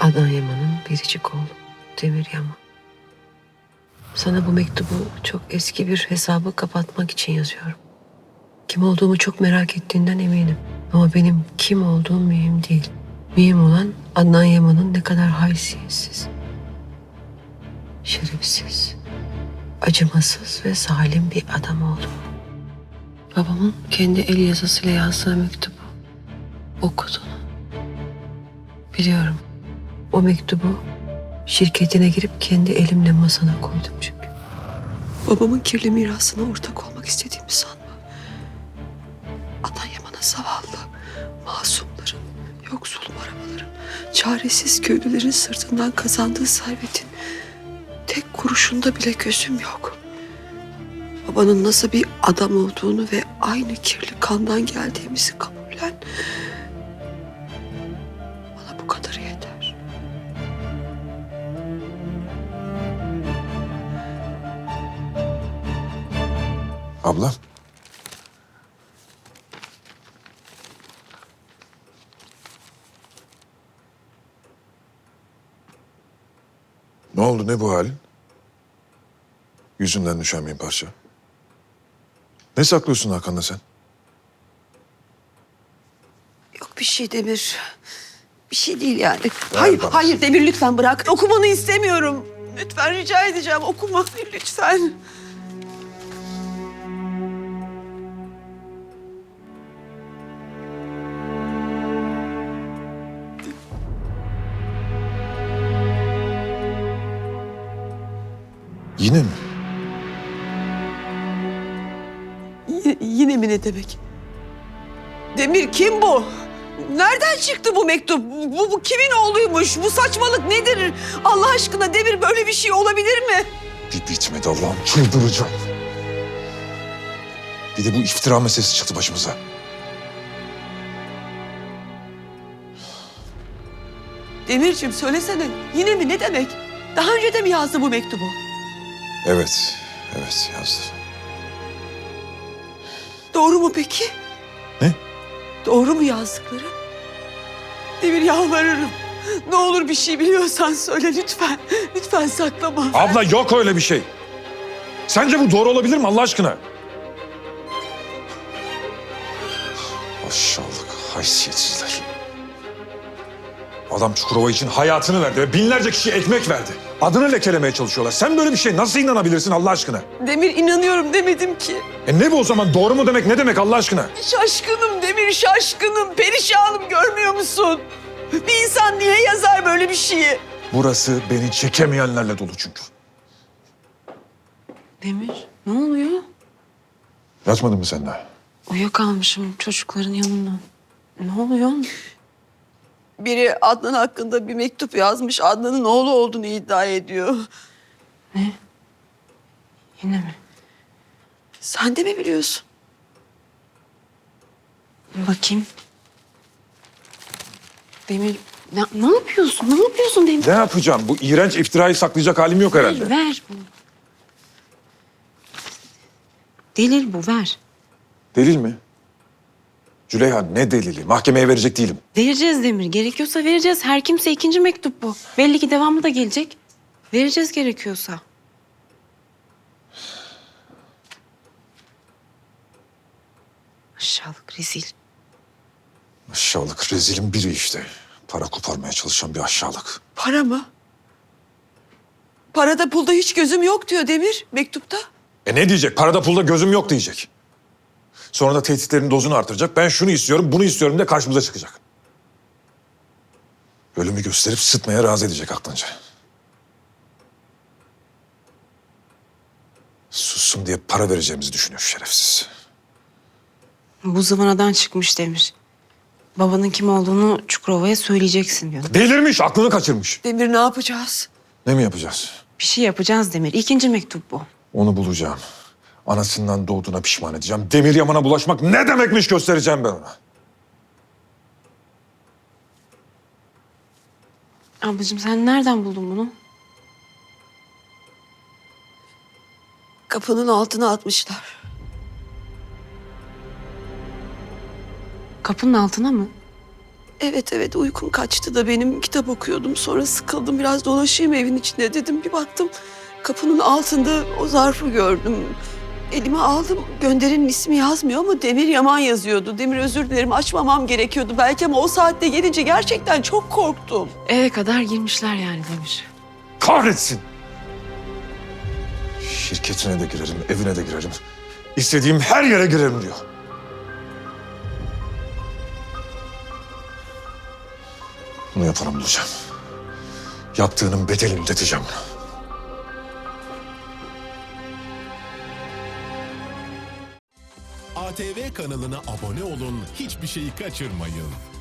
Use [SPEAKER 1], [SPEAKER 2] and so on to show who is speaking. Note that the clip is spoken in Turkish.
[SPEAKER 1] Adnan Yaman'ın biricik oğlu Demir Yaman. Sana bu mektubu çok eski bir hesabı kapatmak için yazıyorum. Kim olduğumu çok merak ettiğinden eminim. Ama benim kim olduğum mühim değil. Mühim olan Adnan Yaman'ın ne kadar haysiyetsiz, şerefsiz, acımasız ve zalim bir adam olduğu. Babamın kendi el yazısıyla yazdığı mektubu okudun. Biliyorum. O mektubu şirketine girip kendi elimle masana koydum çünkü. Babamın kirli mirasına ortak olmak istediğimi sanma. Adnan Yaman'a zavallı, masumların, yoksul arabaların, çaresiz köylülerin sırtından kazandığı servetin tek kuruşunda bile gözüm yok. Babanın nasıl bir adam olduğunu ve aynı kirli kandan geldiğimizi kabullen. Bana bu kadarı yeter.
[SPEAKER 2] Abla. Ne oldu, ne bu halin? Yüzünden düşen bir parça. Ne saklıyorsun Hakan'la sen?
[SPEAKER 1] Yok bir şey Demir. Bir şey değil yani.
[SPEAKER 2] Ver
[SPEAKER 1] Hayır,
[SPEAKER 2] bana.
[SPEAKER 1] hayır Demir lütfen bırak. Okumanı istemiyorum. Lütfen rica edeceğim. Okuma lütfen.
[SPEAKER 2] Yine mi?
[SPEAKER 1] Yine mi ne demek? Demir kim bu? Nereden çıktı bu mektup? Bu kimin oğluymuş? Bu saçmalık nedir? Allah aşkına Demir böyle bir şey olabilir mi?
[SPEAKER 2] Bir bitmedi Allah'ım, çıldıracağım. Bir de bu iftira meselesi çıktı başımıza.
[SPEAKER 1] Demirciğim söylesene. Yine mi ne demek? Daha önce de mi yazdı bu mektubu?
[SPEAKER 2] Evet, evet yazdı.
[SPEAKER 1] Doğru mu peki?
[SPEAKER 2] Ne?
[SPEAKER 1] Doğru mu yazdıkları? Demir yalvarırım. Ne olur bir şey biliyorsan söyle lütfen. Lütfen saklama.
[SPEAKER 2] Abla yok öyle bir şey. Sence bu doğru olabilir mi Allah aşkına? Aşağılık, haysiyetsizler. Adam Çukurova için hayatını verdi ve binlerce kişiye ekmek verdi. Adını lekelemeye çalışıyorlar. Sen böyle bir şey nasıl inanabilirsin Allah aşkına?
[SPEAKER 1] Demir inanıyorum demedim ki.
[SPEAKER 2] Ne bu o zaman? Doğru mu demek ne demek Allah aşkına?
[SPEAKER 1] Şaşkınım Demir şaşkınım. Perişanım görmüyor musun? Bir insan niye yazar böyle bir şeyi?
[SPEAKER 2] Burası beni çekemeyenlerle dolu çünkü.
[SPEAKER 3] Demir, ne oluyor?
[SPEAKER 2] Yatmadın mı sen daha?
[SPEAKER 3] Uyuyakalmışım çocukların yanında. Ne oluyor?
[SPEAKER 1] Biri Adnan hakkında bir mektup yazmış. Adnan'ın oğlu olduğunu iddia ediyor.
[SPEAKER 3] Ne? Yine mi?
[SPEAKER 1] Sen de mi biliyorsun?
[SPEAKER 3] Bakayım. Demir, ne yapıyorsun? Ne yapıyorsun Demir?
[SPEAKER 2] Ne yapacağım? Bu iğrenç iftirayı saklayacak halim yok herhalde.
[SPEAKER 3] Ver bunu. Delil bu, ver.
[SPEAKER 2] Delil mi? Züleyha ne delili? Mahkemeye verecek değilim.
[SPEAKER 3] Vereceğiz Demir. Gerekiyorsa vereceğiz. Her kimse ikinci mektup bu. Belli ki devamı da gelecek. Vereceğiz gerekiyorsa. Aşağılık, rezil.
[SPEAKER 2] Aşağılık rezilin biri işte. Para koparmaya çalışan bir aşağılık.
[SPEAKER 1] Para mı? Parada pulda hiç gözüm yok diyor Demir mektupta.
[SPEAKER 2] Ne diyecek? Parada pulda gözüm yok diyecek. Sonra da tehditlerin dozunu artıracak. Ben şunu istiyorum, bunu istiyorum de karşımıza çıkacak. Ölümü gösterip sıtmaya razı edecek aklınca. Sussun diye para vereceğimizi düşünüyor şerefsiz.
[SPEAKER 3] Bu zıvanadan çıkmış Demir. Babanın kim olduğunu Çukurova'ya söyleyeceksin diyor.
[SPEAKER 2] Delirmiş, aklını kaçırmış.
[SPEAKER 1] Demir ne yapacağız?
[SPEAKER 2] Ne mi yapacağız?
[SPEAKER 3] Bir şey yapacağız Demir. İkinci mektup bu.
[SPEAKER 2] Onu bulacağım. Anasından doğduğuna pişman edeceğim. Demir Yaman'a bulaşmak ne demekmiş göstereceğim ben ona.
[SPEAKER 3] Ablacığım sen nereden buldun bunu?
[SPEAKER 1] Kapının altına atmışlar.
[SPEAKER 3] Kapının altına mı?
[SPEAKER 1] Evet uykum kaçtı da benim kitap okuyordum. Sonra sıkıldım biraz dolaşayım evin içinde dedim. Bir baktım kapının altında o zarfı gördüm. Elime aldım. Gönderenin ismi yazmıyor ama Demir Yaman yazıyordu. Demir özür dilerim açmamam gerekiyordu belki ama o saatte gelince gerçekten çok korktum.
[SPEAKER 3] Eve kadar girmişler yani Demir.
[SPEAKER 2] Kahretsin! Şirketine de girerim, evine de girerim. İstediğim her yere girerim diyor. Bunu yapanı bulacağım. Yaptığının bedelini ödeteceğim ona.
[SPEAKER 4] ATV kanalına abone olun, hiçbir şeyi kaçırmayın.